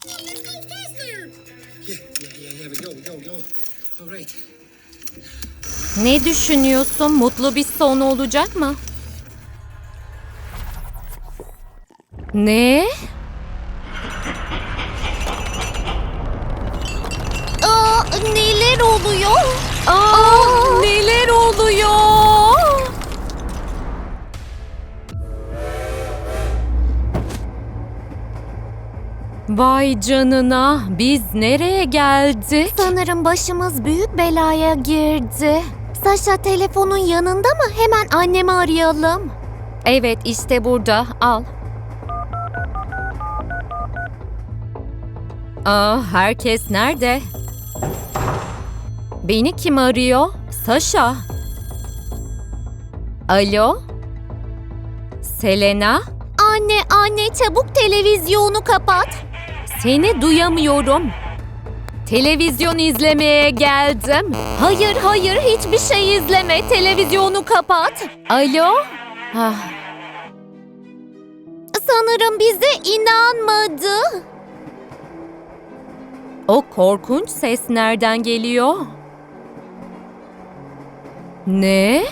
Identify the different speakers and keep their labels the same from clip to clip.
Speaker 1: Ne düşünüyorsun? Mutlu bir son olacak mı? Ne?
Speaker 2: Neler oluyor?
Speaker 1: Neler oluyor? Vay canına, biz nereye geldik?
Speaker 2: Sanırım başımız büyük belaya girdi. Saşa telefonun yanında mı? Hemen annemi arayalım.
Speaker 1: Evet, işte burada. Al. Herkes nerede? Beni kim arıyor? Saşa. Alo? Selena?
Speaker 2: Anne çabuk televizyonu kapat.
Speaker 1: Seni duyamıyorum. Televizyon izlemeye geldim.
Speaker 2: Hayır hiçbir şey izleme. Televizyonu kapat.
Speaker 1: Alo?
Speaker 2: Sanırım bize inanmadı.
Speaker 1: O korkunç ses nereden geliyor? Ne?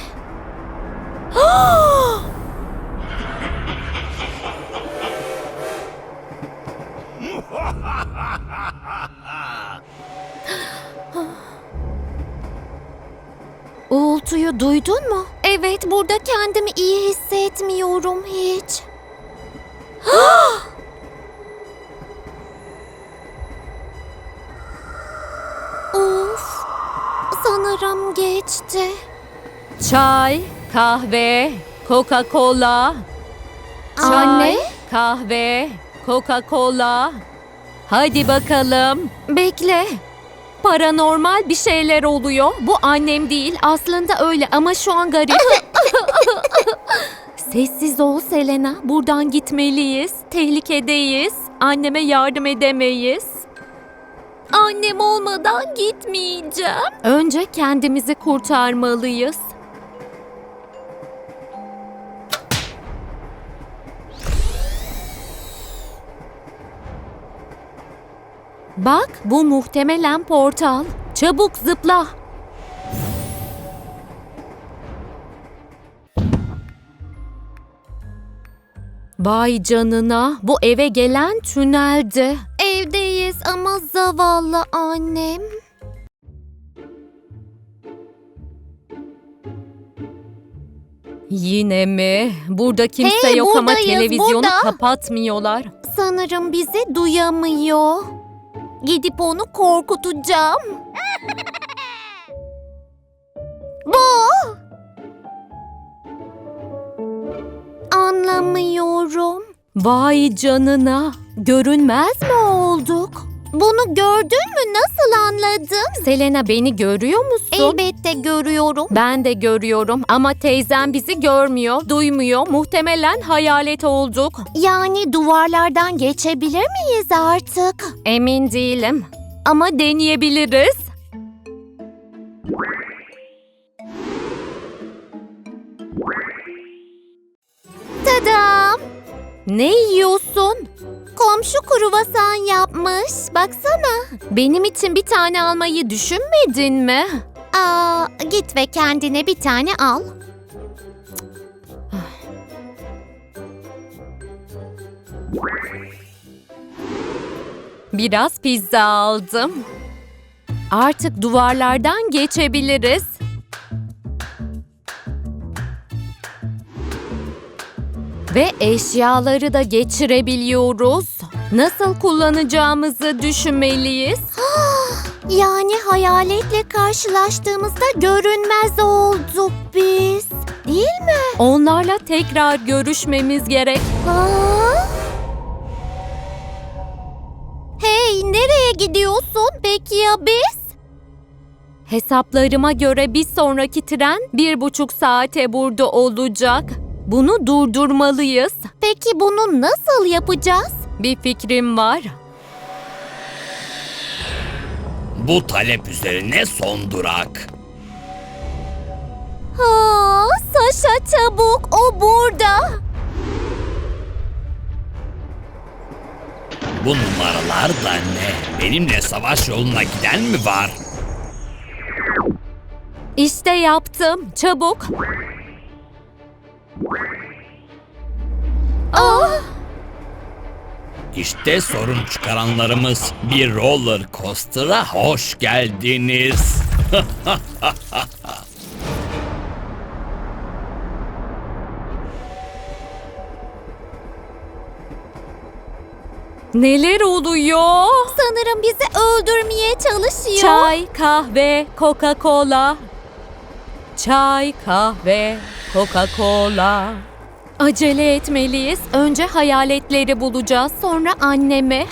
Speaker 2: Uğultuyu duydun mu? Evet, burada kendimi iyi hissetmiyorum hiç. Of, sanırım geçti.
Speaker 1: Çay, kahve, Coca-Cola.
Speaker 2: Anne?
Speaker 1: Kahve, Coca-Cola. Hadi bakalım.
Speaker 2: Bekle.
Speaker 1: Paranormal bir şeyler oluyor. Bu annem değil. Aslında öyle ama şu an garip. Sessiz ol Selena. Buradan gitmeliyiz. Tehlikedeyiz. Anneme yardım edemeyiz.
Speaker 2: Annem olmadan gitmeyeceğim.
Speaker 1: Önce kendimizi kurtarmalıyız. Bak, bu muhtemelen portal. Çabuk zıpla. Vay canına, bu eve gelen tüneldi.
Speaker 2: Evdeyiz ama zavallı annem.
Speaker 1: Yine mi? Burada kimse
Speaker 2: Hey,
Speaker 1: yok ama
Speaker 2: buradayız,
Speaker 1: televizyonu
Speaker 2: burada.
Speaker 1: kapatmıyorlar.
Speaker 2: Sanırım bizi duyamıyor. Gidip onu korkutacağım. Bu. Anlamıyorum.
Speaker 1: Vay canına, görünmez mi olduk?
Speaker 2: Bunu gördün mü? Nasıl anladın?
Speaker 1: Selena, beni görüyor musun?
Speaker 2: Elbette görüyorum.
Speaker 1: Ben de görüyorum ama teyzem bizi görmüyor, duymuyor. Muhtemelen hayalet olduk.
Speaker 2: Yani duvarlardan geçebilir miyiz artık?
Speaker 1: Emin değilim ama deneyebiliriz.
Speaker 2: Tadam!
Speaker 1: Ne yiyorsun?
Speaker 2: Komşu kruvasan yapmış. Baksana.
Speaker 1: Benim için bir tane almayı düşünmedin mi?
Speaker 2: Git ve kendine bir tane al.
Speaker 1: Biraz pizza aldım. Artık duvarlardan geçebiliriz. Ve eşyaları da geçirebiliyoruz. Nasıl kullanacağımızı düşünmeliyiz.
Speaker 2: Yani hayaletle karşılaştığımızda görünmez olduk biz. Değil mi?
Speaker 1: Onlarla tekrar görüşmemiz gerek.
Speaker 2: Hey, nereye gidiyorsun? Peki ya biz?
Speaker 1: Hesaplarıma göre bir sonraki tren 1,5 saate burada olacak. Bunu durdurmalıyız.
Speaker 2: Peki bunu nasıl yapacağız?
Speaker 1: Bir fikrim var.
Speaker 3: Bu talep üzerine son durak.
Speaker 2: Saşa çabuk, o burada.
Speaker 3: Bu numaralar da ne? Benimle savaş yoluna giden mi var?
Speaker 1: İşte yaptım. Çabuk.
Speaker 3: İşte sorun çıkaranlarımız. Bir roller coaster'a hoş geldiniz.
Speaker 1: Neler oluyor?
Speaker 2: Sanırım bizi öldürmeye çalışıyor.
Speaker 1: Çay, kahve, Coca-Cola. Çay, kahve, Coca-Cola. Acele etmeliyiz. Önce hayaletleri bulacağız, sonra annemi.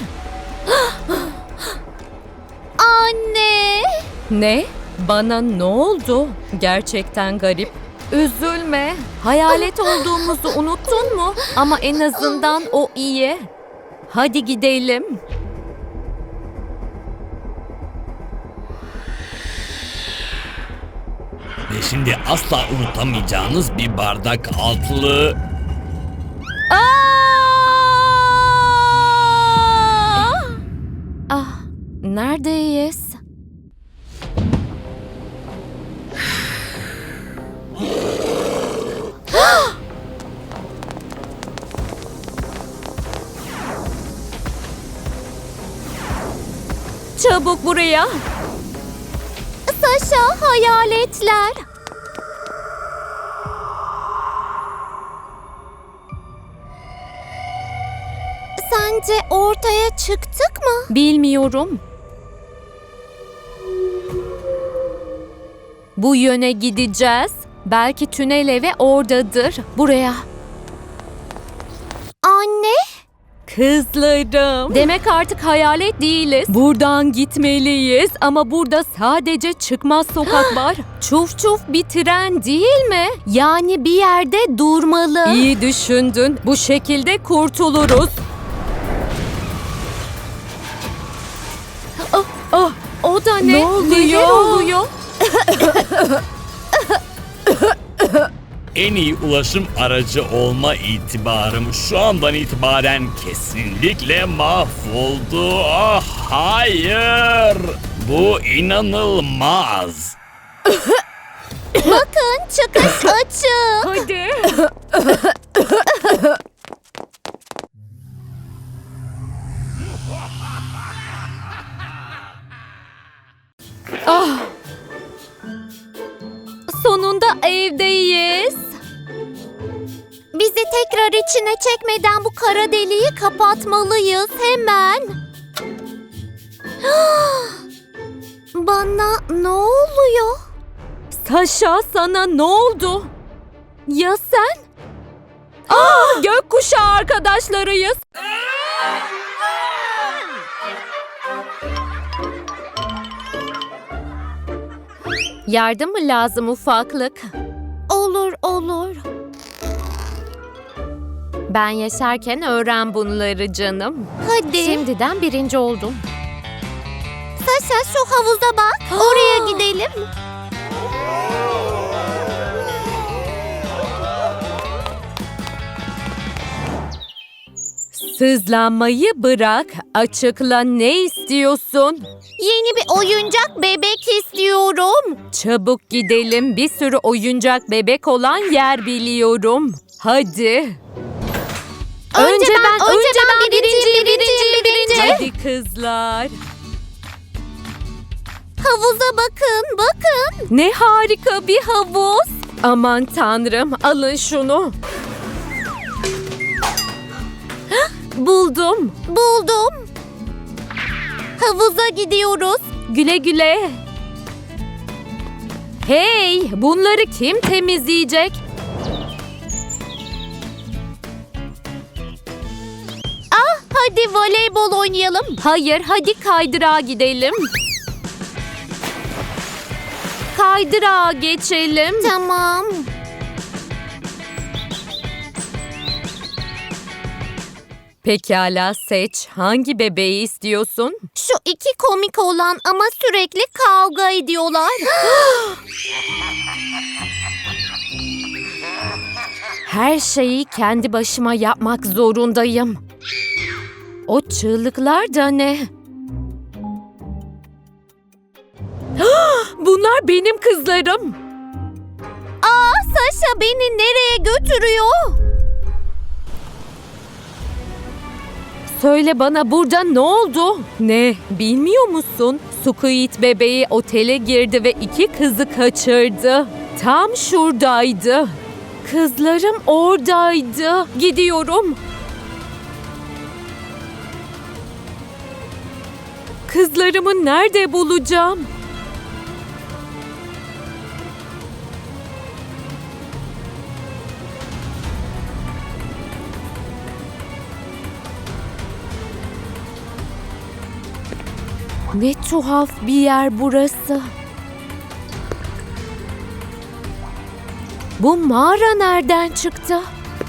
Speaker 2: Anne!
Speaker 1: Ne? Bana ne oldu? Gerçekten garip. Üzülme. Hayalet olduğumuzu unuttun mu? Ama en azından o iyi. Hadi gidelim.
Speaker 3: Ve şimdi asla unutamayacağınız bir bardak altlığı.
Speaker 1: Neredeyiz? Çabuk buraya.
Speaker 2: Saşa, hayaletler. Sence ortaya çıktık mı?
Speaker 1: Bilmiyorum. Bu yöne gideceğiz. Belki tünel evi oradadır. Buraya.
Speaker 2: Anne?
Speaker 1: Kızlarım. Demek artık hayalet değiliz. Buradan gitmeliyiz ama burada sadece çıkmaz sokak var. Çuf çuf bir tren değil mi?
Speaker 2: Yani bir yerde durmalı.
Speaker 1: İyi düşündün. Bu şekilde kurtuluruz. O da ne?
Speaker 2: Ne oluyor?
Speaker 1: Neler oluyor?
Speaker 3: En iyi ulaşım aracı olma itibarım şu andan itibaren kesinlikle mahvoldu. Ah hayır! Bu inanılmaz.
Speaker 2: Bakın, çıkış açık.
Speaker 1: Hadi. Ah. Sonunda evdeyiz.
Speaker 2: Bizi tekrar içine çekmeden bu kara deliği kapatmalıyız hemen. Bana ne oluyor?
Speaker 1: Saşa, sana ne oldu? Ya sen? Gökkuşağı arkadaşlarıyız. Yardım mı lazım ufaklık?
Speaker 2: Olur, olur.
Speaker 1: Ben yaşarken öğren bunları canım.
Speaker 2: Hadi.
Speaker 1: Şimdiden birinci oldum.
Speaker 2: Saşa, şu havuza bak. Oraya gidelim.
Speaker 1: Sızlanmayı bırak. Açıkla, ne istiyorsun?
Speaker 2: Yeni bir oyuncak bebek istiyorum.
Speaker 1: Çabuk gidelim. Bir sürü oyuncak bebek olan yer biliyorum. Hadi.
Speaker 2: Önce ben birinci.
Speaker 1: Hadi kızlar.
Speaker 2: Havuza bakın.
Speaker 1: Ne harika bir havuz. Aman tanrım, alın şunu. Buldum.
Speaker 2: Buldum. Havuza gidiyoruz.
Speaker 1: Güle güle. Hey, bunları kim temizleyecek?
Speaker 2: Hadi voleybol oynayalım.
Speaker 1: Hayır, hadi kaydırağa gidelim. Kaydırağa geçelim.
Speaker 2: Tamam.
Speaker 1: Pekala, seç. Hangi bebeği istiyorsun?
Speaker 2: Şu iki komik olan ama sürekli kavga ediyorlar.
Speaker 1: Her şeyi kendi başıma yapmak zorundayım. O çığlıklar da ne? Bunlar benim kızlarım.
Speaker 2: Saşa beni nereye götürüyor?
Speaker 1: Söyle bana, burada ne oldu? Ne, bilmiyor musun? Squid bebeği otele girdi ve 2 kızı kaçırdı. Tam şuradaydı. Kızlarım oradaydı. Gidiyorum. Kızlarımı nerede bulacağım? Ne tuhaf bir yer burası. Bu mağara nereden çıktı?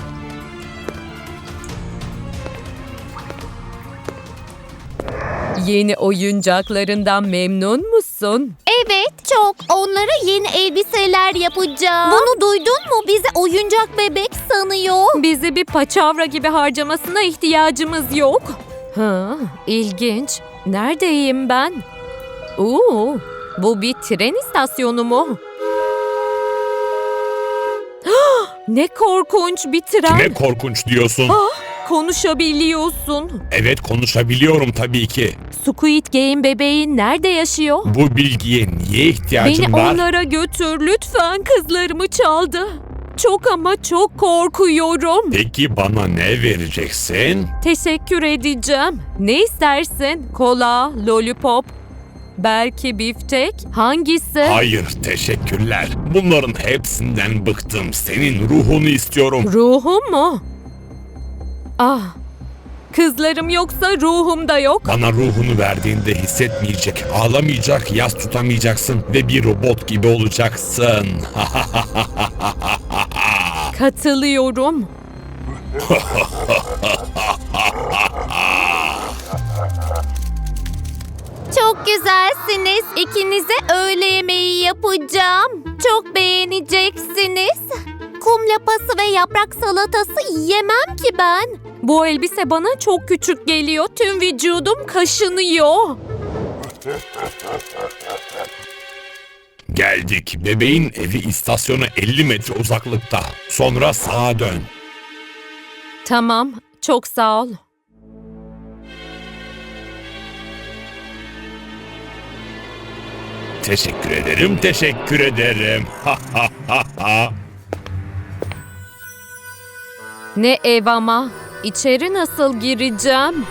Speaker 1: Yeni oyuncaklarından memnun musun?
Speaker 2: Evet, çok. Onlara yeni elbiseler yapacağım. Bunu duydun mu? Bizi oyuncak bebek sanıyor.
Speaker 1: Bizi bir paçavra gibi harcamasına ihtiyacımız yok. Ha, ilginç. Neredeyim ben? Bu bir tren istasyonu mu? Ne korkunç bir tren.
Speaker 3: Kime korkunç diyorsun?
Speaker 1: Konuşabiliyorsun.
Speaker 3: Evet, konuşabiliyorum tabii ki.
Speaker 1: Squid Game bebeği nerede yaşıyor?
Speaker 3: Bu bilgiye niye ihtiyacın
Speaker 1: Beni
Speaker 3: var?
Speaker 1: onlara götür lütfen, kızlarımı çaldı. Çok ama çok korkuyorum.
Speaker 3: Peki bana ne vereceksin?
Speaker 1: Teşekkür edeceğim. Ne istersin? Kola, lollipop, belki biftek? Hangisi?
Speaker 3: Hayır, teşekkürler. Bunların hepsinden bıktım. Senin ruhunu istiyorum.
Speaker 1: Ruhum mu? Ah, kızlarım yoksa ruhum da yok.
Speaker 3: Bana ruhunu verdiğinde hissetmeyecek, ağlamayacak, yas tutamayacaksın ve bir robot gibi olacaksın.
Speaker 1: Katılıyorum.
Speaker 2: Çok güzelsiniz. İkinize öğle yemeği yapacağım. Çok beğeneceksiniz. Kum lapası ve yaprak salatası yiyemem ki ben.
Speaker 1: Bu elbise bana çok küçük geliyor. Tüm vücudum kaşınıyor.
Speaker 3: Geldik. Bebeğin evi istasyona 50 metre uzaklıkta. Sonra sağa dön.
Speaker 1: Tamam, çok sağ ol.
Speaker 3: Teşekkür ederim, teşekkür ederim.
Speaker 1: Ne ev ama? İçeri nasıl gireceğim?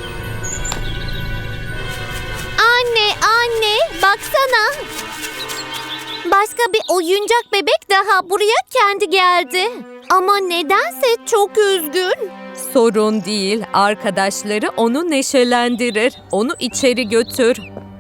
Speaker 2: Anne, baksana. Başka bir oyuncak bebek daha buraya kendi geldi. Ama nedense çok üzgün.
Speaker 1: Sorun değil, arkadaşları onu neşelendirir. Onu içeri götür.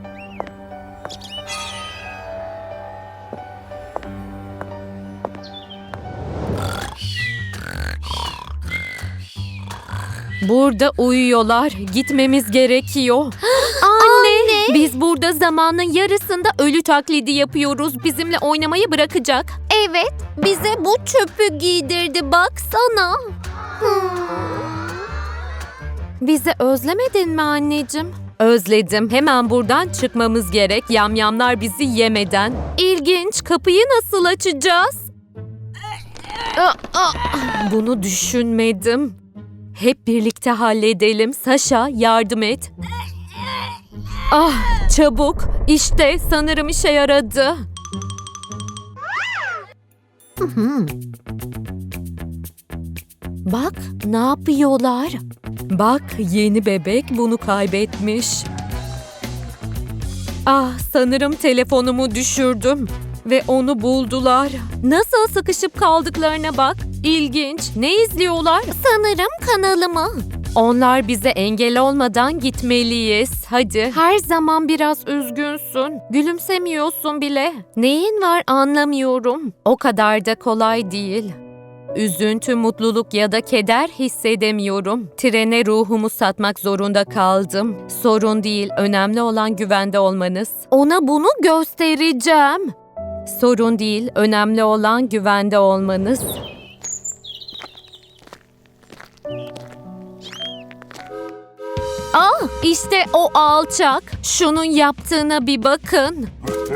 Speaker 1: Burada uyuyorlar. Gitmemiz gerekiyor.
Speaker 2: Anne!
Speaker 1: Biz burada zamanın yarısında ölü taklidi yapıyoruz. Bizimle oynamayı bırakacak.
Speaker 2: Evet, bize bu çöpü giydirdi baksana.
Speaker 1: Bizi özlemedin mi anneciğim? Özledim. Hemen buradan çıkmamız gerek. Yamyamlar bizi yemeden. İlginç. Kapıyı nasıl açacağız? Bunu düşünmedim. Hep birlikte halledelim. Saşa, yardım et. Ah, çabuk. İşte sanırım işe yaradı. Bak, ne yapıyorlar? Bak, yeni bebek bunu kaybetmiş. Ah, sanırım telefonumu düşürdüm ve onu buldular. Nasıl sıkışıp kaldıklarına bak. İlginç. Ne izliyorlar?
Speaker 2: Sanırım kanalımı.
Speaker 1: Onlar bize engel olmadan gitmeliyiz. Hadi. Her zaman biraz üzgünsün. Gülümsemiyorsun bile. Neyin var anlamıyorum. O kadar da kolay değil. Üzüntü, mutluluk ya da keder hissedemiyorum. Trene ruhumu satmak zorunda kaldım. Sorun değil, önemli olan güvende olmanız. Ona bunu göstereceğim. Sorun değil, önemli olan güvende olmanız. İşte o alçak. Şunun yaptığına bir bakın.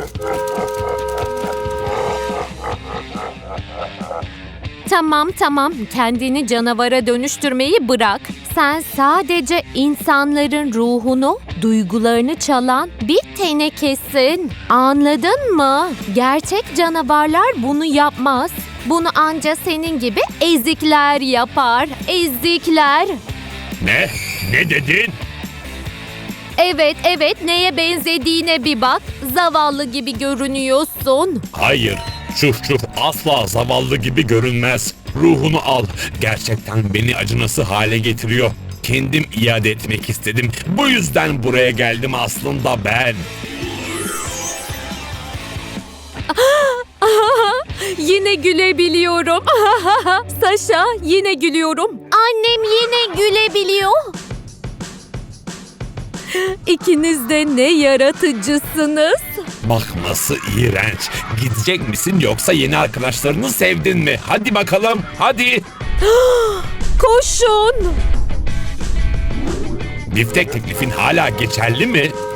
Speaker 1: Tamam. Kendini canavara dönüştürmeyi bırak. Sen sadece insanların ruhunu, duygularını çalan bir tenekesin. Anladın mı? Gerçek canavarlar bunu yapmaz. Bunu anca senin gibi ezikler yapar. Ezikler.
Speaker 3: Ne? Ne dedin?
Speaker 1: Evet, neye benzediğine bir bak. Zavallı gibi görünüyorsun.
Speaker 3: Hayır. Şuf asla zavallı gibi görünmez. Ruhunu al. Gerçekten beni acınası hale getiriyor. Kendim iade etmek istedim. Bu yüzden buraya geldim aslında ben.
Speaker 1: Yine gülebiliyorum. Saşa, yine gülüyorum.
Speaker 2: Annem yine gülebiliyor.
Speaker 1: İkiniz de ne yaratıcısınız.
Speaker 3: Bak nasıl iğrenç. Gidecek misin yoksa yeni arkadaşlarını sevdin mi? Hadi bakalım, hadi.
Speaker 1: Koşun.
Speaker 3: Biftek teklifin hala geçerli mi?